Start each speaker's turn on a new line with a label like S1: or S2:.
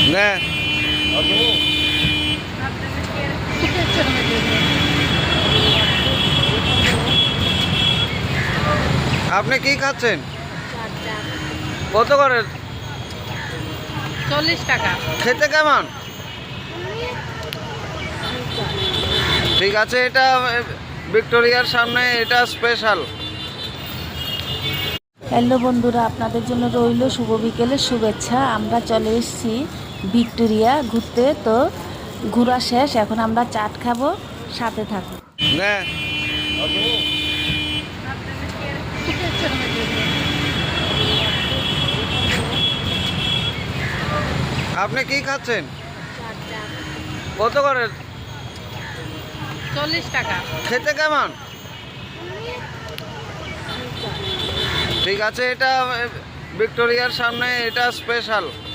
S1: না। আপনি কি খাচ্ছেন? কত করে?
S2: 40 টাকা।
S1: খেতে কেমন? ঠিক আছে, এটা ভিক্টোরিয়ার সামনে, এটা স্পেশাল।
S3: হ্যালো বন্ধুরা, আপনাদের জন্য রইল শুভ বিকেলের শুভেচ্ছা। আমরা চলে এসেছি ভিক্টোরিয়া ঘুরতে। তো ঘোরা শেষ, এখন আমরা চাট খাবো, সাথে থাকুন।
S1: না। আপনি কি খাচ্ছেন? কত করে?
S2: 40 টাকা।
S1: খেতে কেমন? ঠিক আছে, এটা ভিক্টোরিয়ার সামনে, এটা স্পেশাল।